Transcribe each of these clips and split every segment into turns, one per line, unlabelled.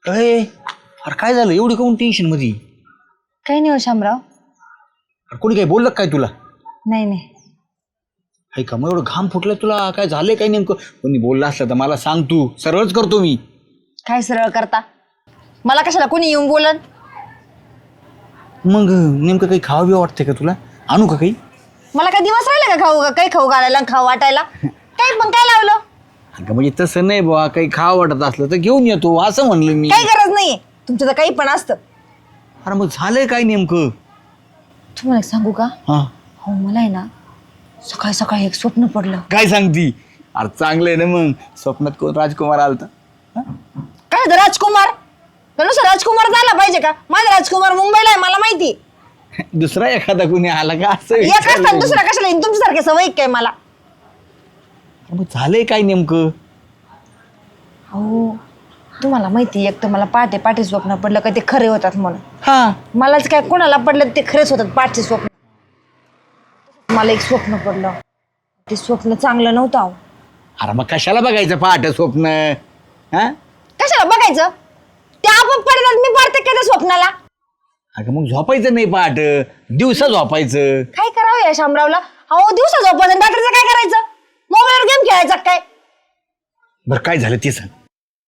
अरे अरे काय झालं एवढी काऊन टेन्शन मध्ये?
काही नाही हो शामराव.
अरे कोणी काय बोललं काय तुला?
नाही नाही.
हाय का मग एवढं घाम फुटलं तुला? काय झालंय काय नेमकं? कोणी बोललं असलं तर मला सांग, तू सरळच करतो मी.
काय सरळ करता? मला कशाला कोणी येऊन बोलन?
मग नेमकं काही खावं बिवा वाटतंय का तुला? आणू का काही?
मला काय दिवस राहिले का खाऊ काही खाऊ घालायला खाऊ वाटायला? काही पण काय लावलं?
अगं म्हणजे तसं नाही बुवा, काही खावं वाटत असलं तर घेऊन येतो असं म्हणलं मी.
काही गरज नाहीये तुमचं तर काही पण असतं.
अरे मग झालंय काय नेमकं?
तुम्हाला एक सांगू का?
हा
हो मला आहे ना सकाळी सकाळी एक स्वप्न पडलं.
काय सांगती? अरे चांगलं आहे ना मग. स्वप्नात कोण राजकुमार आलता?
काय झालं राजकुमार? नुसतं राजकुमार झाला पाहिजे का? माझा राजकुमार मुंबईला आहे मला माहिती.
दुसरा एखादा कोणी आला का असं
एक
विचारलं
असताना
मी.
दुसरा कशाला येईन? तुमच्यासारखे सवय काय मला?
अरे मग झालंय काय नेमकं?
हो तुम्हाला माहिती एक तर मला पहाटे पहाटे स्वप्न पडलं का ते खरे होतात म्हणून.
हा
मलाच काय कोणाला पडलं ते खरेच होतात पहाटे स्वप्न. मला एक स्वप्न पडलं ते स्वप्न चांगलं नव्हतं अहो.
अरे मग कशाला बघायचं पहाटे स्वप्न? हा
कशाला बघायचं? ते आपोआप पडतात मी पडते का त्या स्वप्नाला?
अगं मग झोपायचं नाही पहाट, दिवसा झोपायचं.
काय करावं या शामरावला? अहो दिवसा झोपायचं रात्रीचं काय करायचं? मोबाईलवर गेम खेळायचा काय?
बरं काय झालं ते सांग.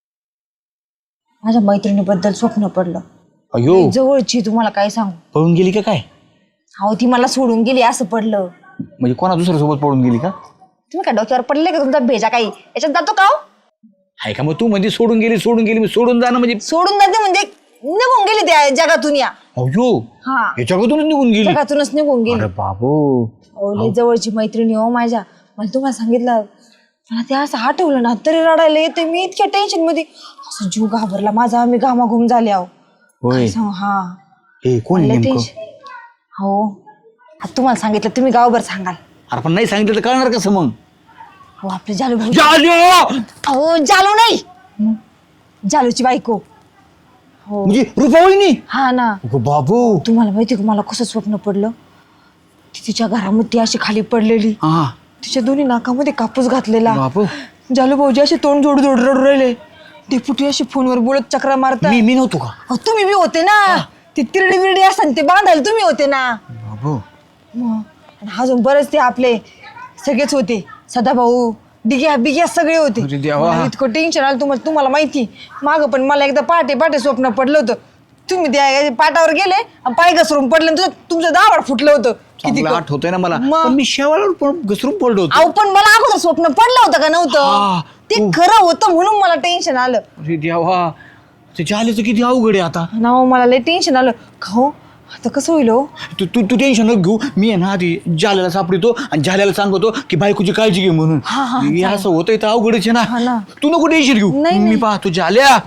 माझ्या मैत्रिणीबद्दल स्वप्न पडलं.
अयो
जवळची तुम्हाला काय सांगू?
पळून गेली का काय?
अहो ती मला सोडून गेली असं पडलं.
म्हणजे कोणा दुसऱ्या सोबत पळून गेली का?
तुम्ही काय डोक्यावर पडले का तुमचा भेजा काही याच्यात जातो का हो?
आहे का मग तू म्हणजे सोडून गेली मी सोडून जाणं म्हणजे?
सोडून जाते म्हणजे निघून गेली त्या जगातून या.
अयो
हा
याच्याकडूनच निघून गेली?
जगातूनच निघून गेली.
अरे बाबू
अहो लय जवळची मैत्रिणी हो माझ्या. मला तुम्हाला सांगितलं मला ते असं आठवलं ना तरी रडायला येते. मी इतक्या टेन्शन मध्ये असं जीव घाबरला माझा. मी घामाघूम झाले अहो.
होय
हा
ए कोण
लय
नेमकं?
टेन्शन. हो आता तुम्हाला सांगितलं तुम्ही गावभर सांगाल.
अरे पण नाही सांगितलं तर कळणार कसं मग?
हो आपले जालू भाऊ.
जालू!
अहो जालू नाही जालूची बायको. हो
म्हणजे रुपावळीनी?
हा ना.
अगं बाबू
तुम्हाला माहिती का मला कसं स्वप्न पडलं? ती तिच्या घरामध्ये अशी खाली पडलेली.
हा
तिच्या दोन्ही नाकामध्ये कापूस घातलेला.
बापू
जालू भाऊजी असे तोंड जोड जोड रडू राहिले. डेपुटी अशी फोनवर बोलत चक्रा मारता.
मी नव्हतो का?
अहो, तुम्ही बी होते ना. ते तिरडी बिरडी असतात ते बांधायला तुम्ही होते ना.
बाबू
मग आणि अजून बरेच ते आपले सगळेच होते. सदाभाऊ डिग्या बिग्या सगळे होते.
अरे देवा.
मला इतकं टेन्शन आलं तुम्हाला माहिती. मागं पण मला एकदा पहाटे पहाटे स्वप्न पडलं होतं. तुम्ही त्या पाटावर गेले आणि पाय घसरून पडले आणि तुमचं दावड फुटलं होतं. किती
चांगलं आठवतंय ना मला.
मग?
पण मी शेवाळावर घसरून पडलो होतो.
अहो पण मला अगोदर स्वप्न पडलं होतं का नव्हतं?
हा,
ते खरं होतं म्हणून मला टेन्शन आलं.
अरे देवा ते जालेचं किती अवघड आहे आता.
ना हो, मला लय टेन्शन आलं. खाऊ आता कसं होईल हो?
तू तू तू टेन्शन नको घेऊ. मी आहे ना आधी जाल्याला सापडतो आणि जाल्याला सांगतो की बायकोची काळजी घे म्हणून.
हा, हा,
हे असं होतंय तर अवघडच आहे
हा
ना.
ना.
तू नको टेन्शन घेऊ.
नाही,
मी
नाही.
पाहतो जाल्या.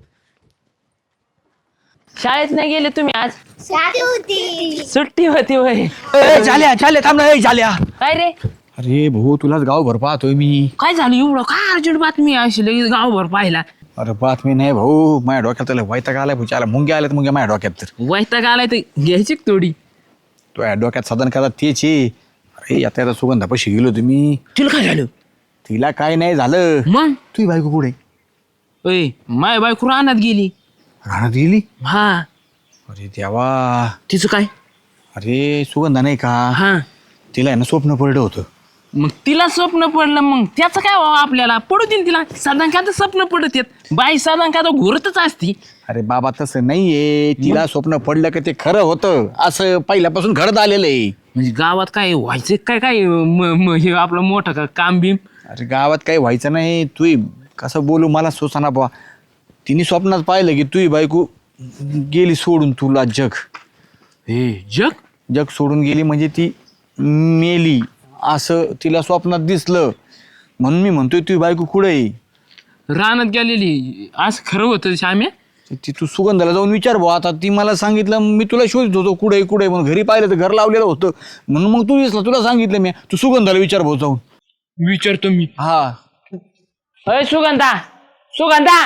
शाळेत नाही गेले तुम्ही आज? सुट्टी होती वय.
ए, जाल्या थांब ना. ए, जाल्या
काय रे
अरे भाऊ तुलाच गावभर पाहतोय मी.
काय झालं एवढं काय अर्जंट बातमी अशी लगेच गावभर पाहिला?
अरे बातमी नाही भाऊ. माझ्या डोक्यात त्याला वैताग आलाय भाऊ. त्याला मुंग्या आल्यात मुंग्या माझ्या डोक्यात. तर
वैताग आलाय तर घ्यायची का थोडी?
तो या डोक्यात साधन करा तेच आहे. अरे आता सुगंधापाशी गेलो तुम्ही.
तुला काय झालं?
तिला काय नाही झालं.
मग
तुझी बायको पुढे
ओय माय बायको रानात गेली.
राहण्यात गेली?
हा
अरे देवा.
तिचं काय?
अरे सुगंधा नाही का,
हा
तिला आहे ना स्वप्न पडलं होतं.
मग तिला स्वप्न पडलं मग त्याचं काय व्हावं आपल्याला? पडू दे ना तिला. साधारण का तर स्वप्न पडत येत बाई साधारण का तर घोरतच असती.
अरे बाबा तसं नाहीये. तिला स्वप्न पडलं की ते खरं होतं असं पहिल्यापासून घडत आलेलं आहे.
म्हणजे गावात काय व्हायचं काय काय हे आपलं मोठं का काम बिम?
अरे गावात काही व्हायचं नाही. तू कसं बोलू मला सोसाना बा. तिने स्वप्नात पाहिलं की तुझी बायको गेली सोडून तुला.
हे जग
सोडून गेली म्हणजे ती मेली असं तिला स्वप्नात दिसलं. म्हणून मी म्हणतोय तुझी बायको कुठे आहे?
रानात गेलेली असं खरं होतं श्याम्या?
ती तू सुगंधाला जाऊन विचार भाऊ. आता ती मला सांगितलं मी तुला शोधत होतो कुठे म्हणून. घरी पाहिलं तर घर लावलेलं होतं म्हणून मग तू दिसला. तुला सांगितलं मी तू सुगंधाला विचार भाऊ जाऊन.
विचारतो मी.
हा
अय सुगंधा सुगंधा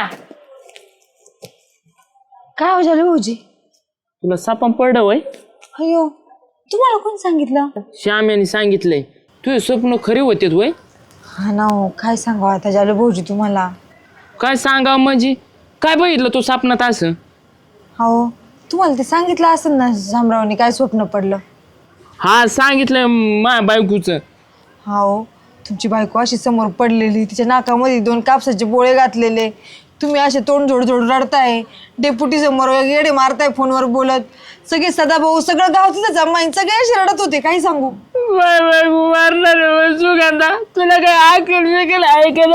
काय हो झालं भाऊजी?
तुला सापम पडलं वय?
अयो तुम्हाला कोण सांगितलं?
श्याम्याने सांगितलंय. तुझे स्वप्न खरे होतेत वय?
हा ना हो काय सांगावं आता झालं भाऊजी तुम्हाला.
काय सांगा म्हणजे काय बघितलं तू स्वप्नात असं?
हो तुम्हाला ते सांगितलं असेल ना शामरावने काय स्वप्न पडलं.
हा सांगितलं माझ्या बायकोचं.
हो तुमची बायको अशी समोर पडलेली, तिच्या नाकामध्ये 2 कापसाचे बोळे घातलेले, तुम्ही असे तोंड जोड रडताय, डेप्युटी समोर येडे मारताय फोनवर बोलत, सगळे सदाभाऊ सगळं गाव तिथं जमाईन सगळे असे रडत होते. काही सांगू
मारणार सुगंधा, तुला काय ऐकलं ऐकलं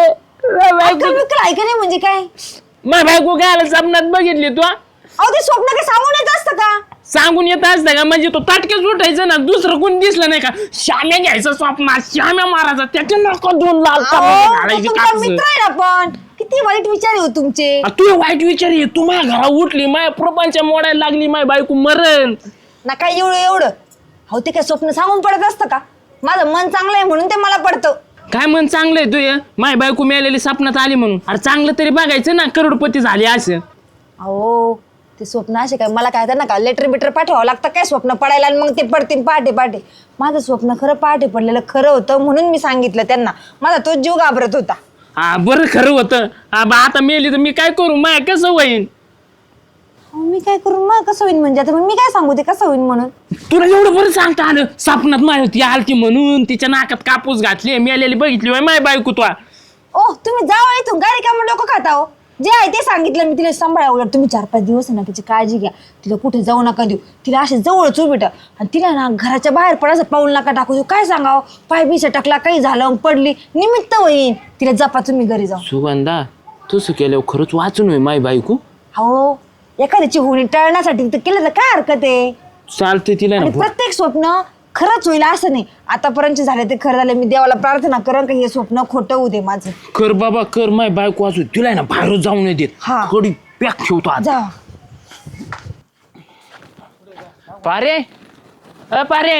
ऐकलं म्हणजे काय?
माझ्या बायको काय आलं स्वप्नात बघितली तू?
अहो ते स्वप्न काय सांगून येत असतं का?
सांगून येत असतं का? म्हणजे तो ताटकेच उठायचं ना, दुसरं कोणी दिसलं नाही का? श्याम्या घ्यायचं स्वप्नात, श्याम्या मारायचा, त्याच्या नको 2 लाल
अहो, तो
घालायचे
तुमचा
कापसं.
मित्र आहे ना, पण किती वाईट विचार आहे हो तुमचे.
तू वाईट विचार आहे. तू माझ्या घरा उठली, माझ्या प्रपंच मोडायला लागली, माझी बायको मरण.
ना काय एवढं हो ते काय स्वप्न सांगून पडत असतं का? माझं मन चांगलं आहे म्हणून ते मला पडतं.
काय मन चांगलं आहे तुझं? माझी बायको मिळालेली स्वप्नात आली म्हणून. अरे चांगलं तरी बघायचं ना, करोडपती झाली असं.
अहो ते स्वप्न असे काय मला काय ना का लेटर बिटर पाठवावं लागतं काय स्वप्न पडायला, आणि मग ते पडतील पहाटे. माझं स्वप्न खरं पहाटे पडलेलं खरं होतं म्हणून मी सांगितलं त्यांना. माझा तो जीव घाबरत होता.
हा बरं खरं होतं. आता मेली तर मी काय करू? माय कसं होईन?
अहो, मी काय करू मग कसं होईन म्हणजे? आता मग मी काय सांगू ते कसं होईन म्हणून?
तुला एवढं बरं सांगता आलं स्वप्नात माझी ती आलती म्हणून, तिच्या नाकात कापूस घातली, मेलेली बघितली माझी बायको तू.
ओ तुम्ही जाओ इथून, काय रिकामं डोकं खाता हो? जे आहे ते सांगितलं मी तिला. सांभाळा, उलट तुम्ही 4-5 दिवस आहे ना तिची काळजी घ्या. तिला कुठे जाऊ नका देऊ, तिला असे जवळच उभी ठेवा. आणि तिला ना घराच्या बाहेर पडायचं पाऊल नका टाकू देऊ. काय सांगावं, पाय बिस टाकला, काही झालं, पडली, निमित्त होईन. तिला जपा तुम्ही घरी जाऊ.
सुगंधा तसं केल्यावर खरंच वाचून होई माझी बायको.
हो एखाद्याची होणी टळण्यासाठी तर केलं तर काय हरकत आहे?
चालते तिला
आणि
ना.
प्रत्येक स्वप्न खरंच होईल असं नाही. आतापर्यंत झाले ते खरं झाले. मी देवाला प्रार्थना करेन का हे स्वप्न खोटं होऊ दे माझं.
कर बाबा कर, माझी बायको वाचू. तिला ना बाहेर जाऊ नाही देत.
हा.
कडी पॅक ठेवतो आज.
जा.
पारे पारे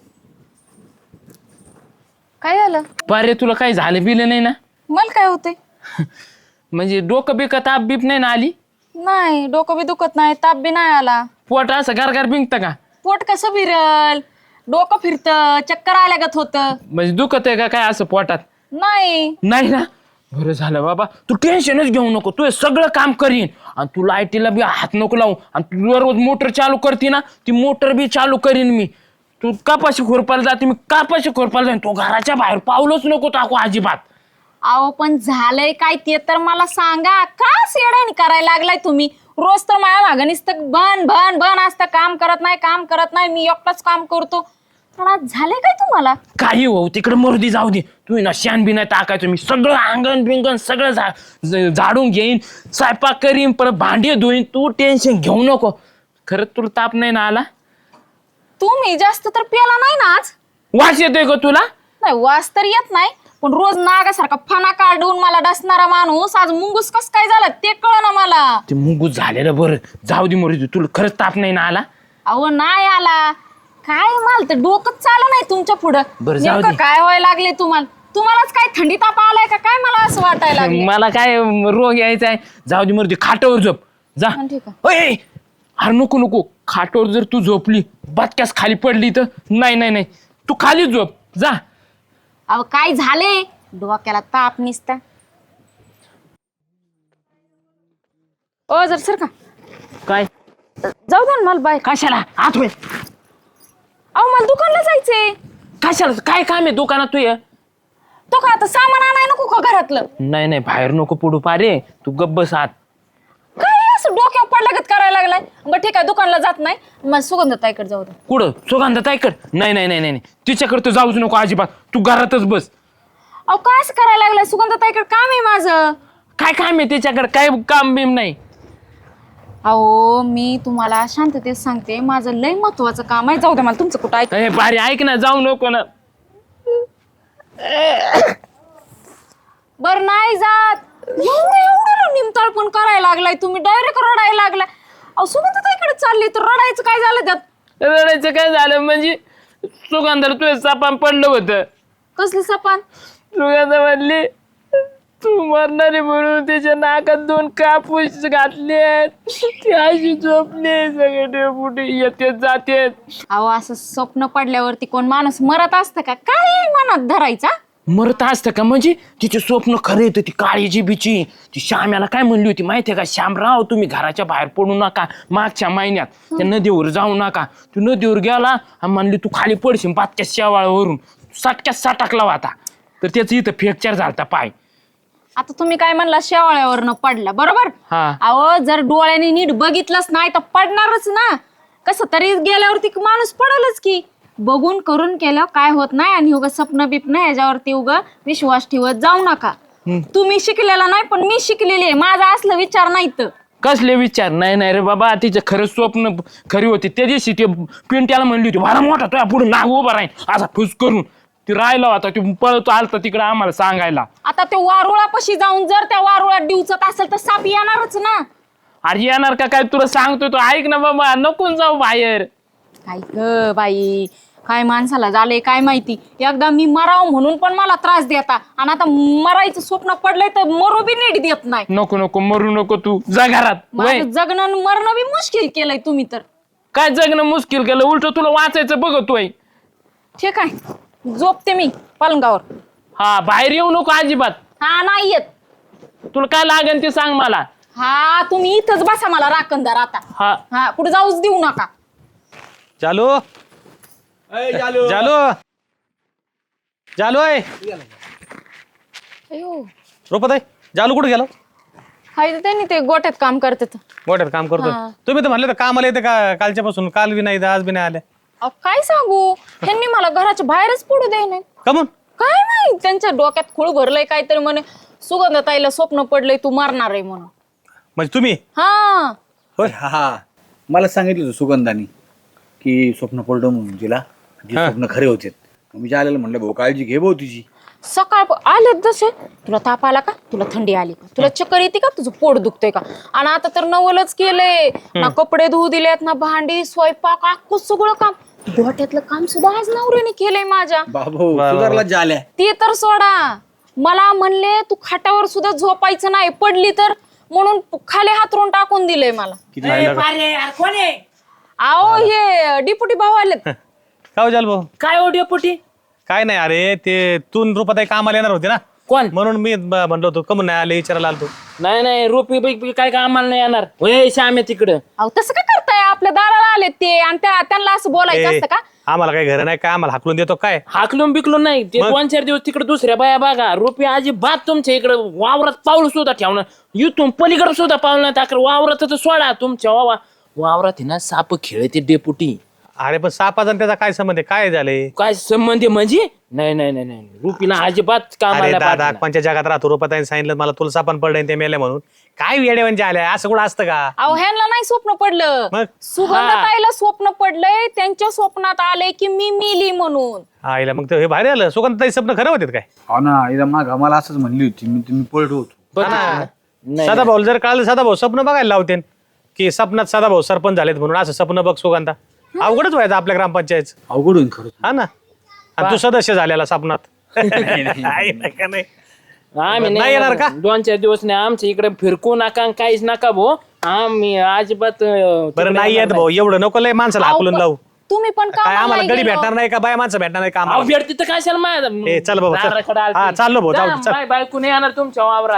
काय झालं?
पारे तुला काही झालं बिलं नाही ना?
मला काय होते?
म्हणजे डोकं बिकं ताप बीप नाही ना आली?
नाही, डोकं बी दुखत नाही, ताप बी नाही आला.
पोट असं गारगार बिंकतं का?
पोट कसं फिरल, डोकं फिरतं, चक्कर आल्यागत होतं.
म्हणजे दुखत आहे का काय असं पोटात?
नाही.
नाही ना? बरं झालं बाबा, तू टेन्शनच घेऊ नको. तू हे सगळं काम करीन आणि तू लाईटीला बी हात नको लावू. आणि तू दररोज मोटर चालू करते ना, ती मोटर बी चालू करीन मी. तू कापाशी खोरपाला जाते, मी कापाशी खोरपाला जाईन. तो घराच्या बाहेर पावलंच नको टाकू अजिबात.
अहो पण झालंय काय ते तर मला सांगा. का येड्याने करायला लागलाय तुम्ही? रोज तर माझ्या मागं नुसतं भन असतं, काम करत नाही. मी एकटाच काम करतो. पण आज झालंय काय तुम्हाला?
काही हो तिकडे मरुदी जाऊ दे. तुम्ही ना शान बी नाही टाकायचं. मी सगळं अंगण बिंगण सगळं झाडून घेईन, स्वयंपाक करीन, परत भांडी धुईन. तू टेन्शन घेऊ नको. खरंच तुला ताप नाही ना आला?
तुम्ही जास्त तर प्याला नाही ना आज?
वास येतोय का तुला?
नाही, वास तर येत नाही, पण रोज नागासारखा फणा काढून मला डसणारा माणूस आज मुंगूस कस काय झाला ते कळना मला.
ते मुंगूस झालेलं बरं. जाऊ दे मरुदी, तुला खरंच ताप नाही ना आला?
अहो नाही आला. काय मला तर डोकंच चाललं नाही तुमच्या पुढं.
बरं, जाऊ
नेमकं
दे.
काय व्हायला लागले तुम्हालाच काय थंडी ताप आलाय का काय? मला असं वाटायला लागलं.
मला काय रोग यायचा आहे. जाऊ दे मरुदी, खाटावर झोप जा.
हा, ठीक आहे.
ओय अरे नको खाटावर जर तू झोपली, बचक्यास खाली पडली तर नाही तू खाली झोप जा.
अहो काय झाले? डोक्याला ताप निसता. ओ जर सर का
काय
जाऊ दे ना मला बाय.
कशाला आत होय?
अहो मला दुकानला जायचंय.
कशाला काय काम आहे दुकानात तू?
तो का आता सामान आणाय नको का घरातलं?
नाही बाहेर नको पडू पारे. तू गब्बस आत.
काय असं डोक्यावर पडल्यागत करायला लागलाय? बरं ठीक आहे, दुकानला जात नाही. मग सुगंधताईकडे जाऊ दे.
कुठं? सुगंधाताईकड? नाही तिच्याकडे तर जाऊच नको अजिबात. तू घरातच बस.
अहो काय असं करायला लागलाय? सुगंधताईकडे काम आहे माझं.
काय काम आहे त्याच्याकडे? काय काम बिम नाही.
अहो मी तुम्हाला शांततेत सांगते, माझं लय महत्वाचं काम आहे. जाऊ दे मला तुमचं कुठं ऐक.
ए पारे ऐक ना, जाऊ नको ना.
बर नाही जात. एवढं निमताळ पण करायला लागलाय तुम्ही. डायरेक्ट रडायला लागलाय. अहो सुगंधताईकडे चालली तर रडायचं काय झालं त्यात?
रडायचं काय झालं म्हणजे? सुगंधाला तुझं सापान पडलं होतं.
कसली सपान?
सुगंधा म्हणली तू मरणारे म्हणून त्याच्या नाकात 2 कापूस घातले. ती अशी झोपली. सगळे डेपुटी येतेत जातेत.
अहो असं स्वप्न पडल्यावरती कोण माणूस मरत असतं का? काय मनात धरायचा?
मरत असतं का म्हणजे तिचे स्वप्न खरे येतं ती काळीची बिची ती श्याम्याला काय म्हणली होती माहितीये का श्यामराव तुम्ही घराच्या बाहेर पडू नका मागच्या महिन्यात त्या नदीवर जाऊ नका तू नदीवर गेला आणि म्हणली तू खाली पडशील पाचक्या शेवाळावरून सटक्यात सटकला होता तर त्याचं इथं फ्रॅक्चर झालता पाय.
आता तुम्ही काय म्हणला शेवाळ्यावरनं पडला बरोबर.
हा.
अहो जर डोळ्याने नीट बघितलंच नाही तर पडणारच ना. कसं तरी गेल्यावरती माणूस पडलच की. बघून करून केलं काय होत नाही आणि उगा स्वप्न बिप्न याच्यावरती उगा विश्वास ठेवत जाऊ नका. तुम्ही शिकलेला नाही पण मी शिकलेली आहे. माझा असलं विचार नाही तर
कसले विचार नाही नाही रे बाबा तिचं खरं स्वप्न खरी होती त्या दिवशी ते पिंट्याला म्हणली होती भारा मोठा तुझ्या पुढे नाग उभा राहील असा फुस करून ती राहिला होता ती पळतो आलता तिकडे आम्हाला सांगायला.
आता ते वारुळापाशी जाऊन जर त्या वारुळात डिवचत असेल तर साप येणारच ना.
अरे येणार का काय तुला सांगतोय तो ऐक ना बाबा नको जाऊ बाहेर.
काय ग बाई काय माणसाला झालंय काय माहिती. एकदा मी मराव म्हणून पण मला त्रास देता आणि आता मरायचं स्वप्न पडलंय तर मरू बी नीट देत नाही.
नको नको मरू नको तू जा घरात. वय.
माझं जगणं आणि मरणं बी मुश्किल केलंय तुम्ही तर.
काय जगणं मुश्किल केलं उलट तुला वाचायचं बघतोय.
ठीक आहे झोपते मी पलंगावर.
हा बाहेर येऊ नको अजिबात.
हा नाही येत.
तुला काय लागेल ते सांग मला.
हा तुम्ही इथंच बसा मला राखणदार आता.
हा
हा कुठे जाऊच देऊ नका.
चालू
चालू
चालू चालू आहे
अयो
रोपत जालू कुठे गेलो
हाय तर त्यांनी ते गोट्यात काम करतात.
मोठ्यात काम करतोय
हा.
तुम्ही तर म्हणले तर कामाला येते का कालच्या पासून काल बी नाही आज बी नाही आले
अहो, काय सांगू ह्यांनी मला घराच्या बाहेरच पडू दे नाही.
कमून
काय नाही त्यांच्या डोक्यात खूळ भरलंय काहीतरी म्हणे सुगंधताईला स्वप्न पडलंय तू मारणार आहे म्हणून.
म्हणजे तुम्ही
हा
होय
हा मला सांगितलं होतं सुगंधानी की स्वप्न पडलं म्हणून तिला ती
हा.
स्वप्न खरे होते. मी आलेलं म्हणलं भाऊ काळजी घे भाऊ तिची.
सकाळ आलेत जसे तुला ताप आला का तुला थंडी आली का तुला चक्कर येते का तुझं पोट दुखतंय का आणि आता तर नवलच केलंय ना कपडे धुवू दिलेत ना भांडी स्वयंपाक अख्खं सगळं काम डोट्यातलं काम सुद्धा आज नवऱ्याने केलंय माझ्या.
बाबू सुधारला झाल्या.
ते तर सोडा मला म्हणले तू खाटावर सुद्धा झोपायचं नाही पडली तर म्हणून खाली हातरून टाकून दिलंय मला. आओ हे डिपुटी भाऊ आलेत.
काय जाल भाऊ
काय ओढ्या पोटी
काय नाही अरे ते तून रुपाताई कामाला येणार होते ना
कोण
म्हणून मी म्हणलो होतो कमून नाही आले विचारायला आलतो.
नाही नाही रोपी बिपी काय का आम्हाला नाही येणार होय श्याम्या तिकडं.
अहो तसं काय करताय आपल्या दाराला आलेत ते आणि त्यांना असं बोलायचं
ए,
असतं का.
आम्हाला काही घर नाही काय आम्हाला हाकलून देतो काय
हाकलून बिकलून नाही ते
मग?
2-4 दिवस तिकडे दुसऱ्या बाया बघा रोपी अजिबात तुमच्या इकडे वावरात पाऊल सुद्धा ठेवणार इथून पलीकडे सुद्धा पाऊल नाही टाकर वावरात तर सोडा तुमच्या वावरात आहे ना साप खेळते डेपुटी.
अरे पण सापाचा आणि त्याचा काय संबंध आहे काय झाले
काय संबंध आहे म्हणजे नाही नाही नाही नाही रुपीला अजिबात
अरे
कामाला
दादा
पाठवणार.
कोणत्या जगात राहतो रुपाताईने सांगितलं मला तुला सापण पडलं ते मेले म्हणून काय वेडे म्हणजे आल्या असं कुठं असतं का
अहो ह्यांना नाही स्वप्न पडलं
मग?
सुगंधताईला स्वप्न पडलंय त्यांच्या स्वप्नात आलंय की मी मेली म्हणून.
आईला मग ते हे बाहेर आलं सुगंधताई स्वप्न खरं होते काय
हो ना एकदा माग मला असंच म्हणली होती मी तुम्ही पळतो होतो.
बघ नाही,
सदा भाऊ जर कळलं सदा भाऊ स्वप्न बघायला लावते की स्वप्नात सदा भाऊ सरपंच झालेत म्हणून असं स्वप्न बघ सुगंधा अवघडच व्हायचं आपल्या ग्रामपंचायत
अवघड होईल खरं.
हा ना आणि तू सदस्य झालेला स्वप्नात आहे का नाही
आम्ही
नाही येणार का?
2-4 दिवस नाही आमच्या इकडे फिरकू नका काहीच नका भाऊ आम्ही अजिबात
बरं नाही येत भाऊ एवढं नको लय माणसाला
अहो,
हाकलून लावू
तुम्ही पण
काय
कामाला
आम्हाला
नाही
गडी
गेलो.
भेटणार नाही का बाय माणसं भेटणार नाही का आम्हाला?
भेटते तर कशाला माझ्या
ए, चल भाऊ, चल.
दाराकडे आलती.
हा, चाललो भाऊ,
जा,
जाऊ, चल.
माय बायको नाही येणार तुमच्या वावरात.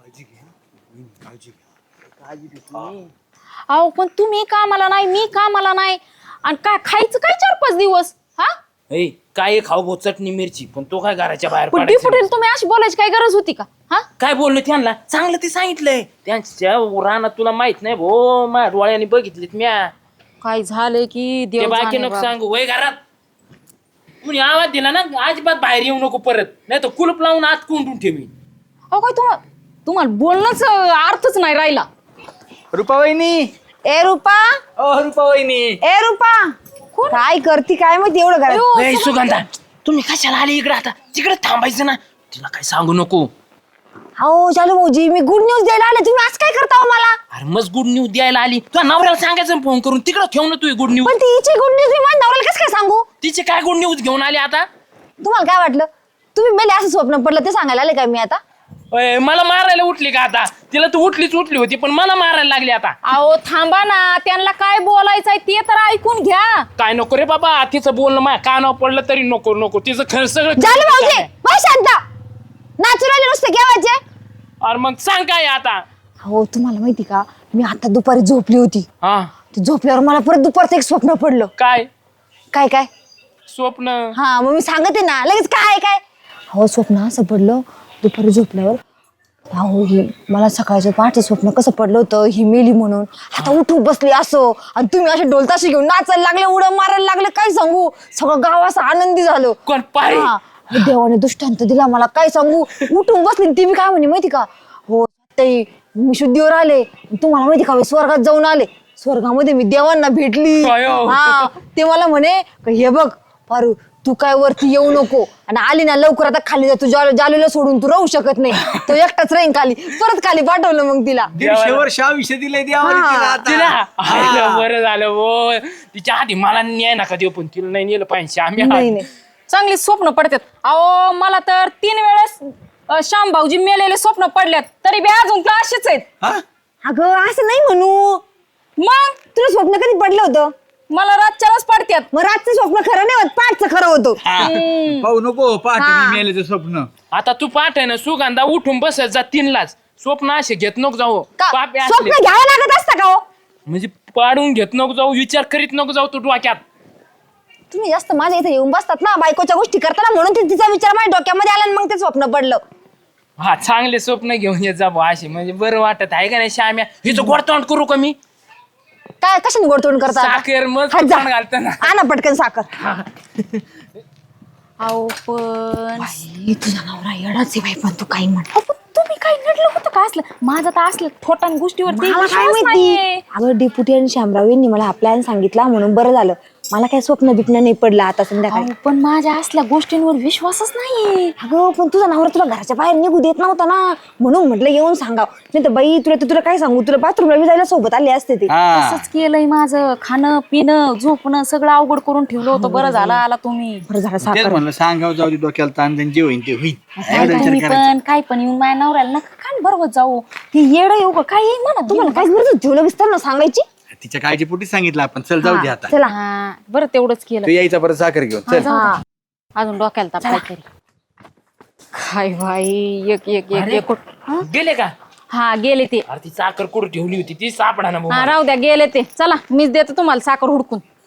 अहो पण तुम्ही कामाला नाही मी कामाला नाही आणि काय खायचं काय 4-5 दिवस हा.
ए, काय खाऊ भाऊ चटणी मिरची पण तो काय घराच्या बाहेर
पण
पडायचं?
डिपुटीला तुम्ही अशी बोलायची काय गरज होती का हा.
काय बोललो त्यांना चांगलं ते सांगितलंय त्यांच्या रानात तुला माहित नाही भो माझ्या डोळ्याने बघितलेत म्या
काय झालंय की
ते
देव
बाकी
जाणे
नको
बाबा.
सांगू वय घरात कुणी आवाज दिला ना अजिबात बाहेर येऊ नको परत नाही तर कुलूप लावून आत कोंडून ठेवी.
अहो काय तुम्हाला बोलणंच अर्थच नाही राहिला.
रुपा वहिनी
ए रुपा
ओ रुपा वहिनी
ए रुपा काय करती काय माहिती एवढं घरात.
ए, सुगंधा तुम्ही कशाला आले इकडे आता तिकडे थांबायचं ना तिला काय सांगू नको.
हो चालू भाऊजी मी गुड न्यूज द्यायला आले तुम्ही आज काय करता हो मला.
अरे मस्त गुड न्यूज द्यायला आली तुझ्या नवऱ्याला सांगायचं फोन करून तिकडे ठेव ना तू गुड न्यूज.
पण तिची गुड न्यूज मी माझ्या नवऱ्याला कसं काय सांगू.
तिचे काय गुड न्यूज घेऊन आली आता.
तुम्हाला काय वाटलं तुम्ही मेले असं स्वप्न पडलं ते सांगायला आले काय मी आता.
ओय, मला मारायला उठली का आता तिला तू उठलीच उठली होती पण मला मारायला लागली आता.
अहो थांबा ना त्यांना काय बोलायचंय ते तर ऐकून घ्या.
काय नको रे बाबा तिचं बोलणं माझ्या कानावर पडलं तरी नको नको तिचं खरं सगळं
झालं भाऊजी हो शांता, नाचू राहिले नुसते केव्हाचे.
अरे मग सांग काय आता.
हो तुम्हाला माहिती का, मी आता दुपारी झोपली होती.
हा
ते झोपल्यावर मला परत दुपारचं एक स्वप्न पडलं.
काय
काय काय?
स्वप्न.
हा मग मी सांगते ना लगेच. काय काय? हो स्वप्न असं पडलं दुपारी झोपल्यावर. अहो ही मला सकाळचं पहाटे स्वप्न कसं पडलं होतं, ही मेली म्हणून. आता उठून बसली असं, आणि तुम्ही असे ढोलताशी घेऊन नाचायला लागले, उड्या मारायला लागले. काय सांगू, सगळं गाव असं आनंदी झालं.
कोण पारे?
हा, देवाने दृष्टांत दिला मला. काय सांगू, उठून बसली. ती मी काय म्हणे माहिती का, हो ताई मी शुद्धीवर आले, तुम्हाला माहिती का मी स्वर्गात जाऊन आले. स्वर्गामध्ये मी देवांना भेटली.
काय हो?
हा ते मला म्हणे का हे बघ पारू, तू काय वरती येऊ नको, आणि आली ना लवकर आता खाली जा. तू जालूला सोडून तू राहू शकत नाही. तो एकटाच राहीन खाली. परत खाली पाठवलं मग तिला.
150 वर्ष आयुष्य दिलंय देवाने तिला आता.
तिला आईला बरं झालं हो. तिच्या आधी मला न्याय नका देऊ, पण तिला नाही नेलं पाहिजे आम्ही.
नाही नाही
चांगली स्वप्न पडतात. अहो मला तर 3 वेळेस श्याम भाऊजी मेलेले स्वप्न पडल्यात, तरी बी अजून तर असेच आहेत.
हा?
अगं असं नाही म्हणू.
मग
तुला स्वप्न कधी पडलं होतं?
मला रातच्यालाच पडत्यात.
मग रातचं स्वप्न खरं नाही होत, पाठचं खरं होतं.
पाहू नको पहाटे मी मेल्याचं स्वप्न.
आता तू पाठ आहे ना सुगंधा, उठून बसत जा 3लाच. स्वप्न असे घेत नको जाऊ.
का?
पापे असले
स्वप्न घ्यावं लागत असतं का हो?
म्हणजे पाडून घेत नको जाऊ, विचार करीत नको जाऊ तू डोक्यात.
तुम्ही जास्त माझ्या इथे येऊन बसतात ना बायकोच्या गोष्टी करताना, म्हणून तिचा विचार माझ्या डोक्यामध्ये आला आणि मग ते स्वप्न पडलं.
हा चांगले स्वप्न घेऊन येत जा बुवा असे, म्हणजे बरं वाटत आहे का नाही श्याम्या. हिचं गोडतोंड करू का मी?
काय कशाने गोडतोड करता आता?
साखर मग
हा, जा.
घालताना.
आणा पटकन साखर.
अहो पण
बाई, तुझा नवरा येडाच आहे बाई, पण तू काही म्हण.
तुम्ही काही नडलं होतं का असलं? माझं तर असलं थोटान गोष्टीवरती
मला काय
विश्वास
माहिती.
नाहीये.
अगं डेप्युटी आणि शामराव यांनी मला हा प्लॅन सांगितला म्हणून बरं झालं. मला काय स्वप्न बिप्न नाही पडलं आता संध्याकाळी.
अहो, पण माझ्या असल्या गोष्टींवर विश्वासच नाही.
अगं पण तुझा नवरा तुला घराच्या बाहेर निघू देत नव्हता ना, म्हणून म्हटलं येऊन सांगाव. नाही तर बाई तुला काय सांगू, तुला बाथरूमला बी जायला सोबत आले असते ते.
हा.
तसंच केलंय माझं. खाणं पिणं झोपणं सगळं अवघड करून ठेवलं होतं. बरं झालं आला तुम्ही.
बरं झालं
तेच
साखर.
म्हणलं सांगाव जाऊ दे डोक्याला ताण, त्यांनी जे होईल ते होईल.
काय तुम्ही पण काय पण येऊन माझ्या नवऱ्याला नका खान बरोबर जाऊ. ते येडं येऊ का काय येईल म्हणा
तुम्हाला काय गरज होती ठेवलं विस्तार ना सांगायची.
तिच्या काळजीपोटी सांगितलं आपण. चल जाऊ दे आता.
चला.
हा बरं तेवढंच केलं.
तू यायचा परत साखर घेऊन चल.
हा.
अजून डोक्याला ताप काहीतरी. काय भाई एक एक एक एक
गेले का?
हा गेले ते.
अरे ती साखर कुठं ठेवली होती ती सापडा ना
हा
भाऊ.
राहू द्या गेले ते. चला मीच देते तुम्हाला साखर हुडकून.